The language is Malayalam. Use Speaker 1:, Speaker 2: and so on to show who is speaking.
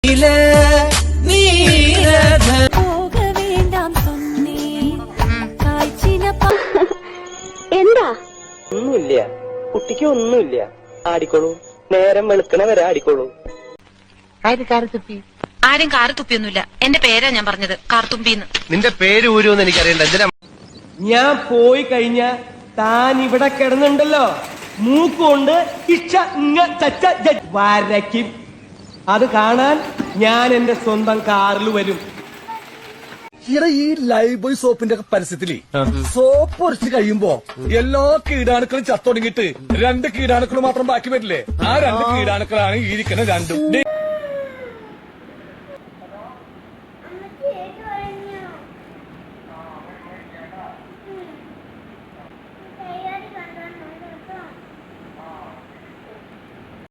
Speaker 1: എന്താ ഒന്നുമില്ല, കുട്ടിക്ക് ഒന്നുമില്ല. ആടിക്കോളൂ, നേരം വെളുക്കണ വരെ ആടിക്കോളൂ.
Speaker 2: ആരും കാർത്തുപ്പിയൊന്നുമില്ല. എന്റെ പേരാ ഞാൻ പറഞ്ഞത്, കാർത്തുമ്പിന്ന്.
Speaker 3: നിന്റെ പേര് ഊരുമെന്ന് എനിക്കറിയണ്ട. എന്തിനാ
Speaker 4: ഞാൻ പോയി കഴിഞ്ഞ താൻ ഇവിടെ കിടന്നുണ്ടല്ലോ, മൂക്കുകൊണ്ട് ഇച്ച വരയ്ക്കും. അത് കാണാൻ ഞാൻ എന്റെ സ്വന്തം കാറിൽ വരും.
Speaker 5: ഈ ലൈഫ് ബോയ് സോപ്പിന്റെ ഒക്കെ പരസ്യത്തില് സോപ്പ് ഒരച്ച് കഴിയുമ്പോ എല്ലാ കീടാണുക്കളും ചത്തൊടുങ്ങിട്ട് 2 കീടാണുക്കൾ മാത്രം ബാക്കി വരില്ലേ? ആ 2 കീടാണുക്കളാണ് ഈ ഇരിക്കുന്ന 2.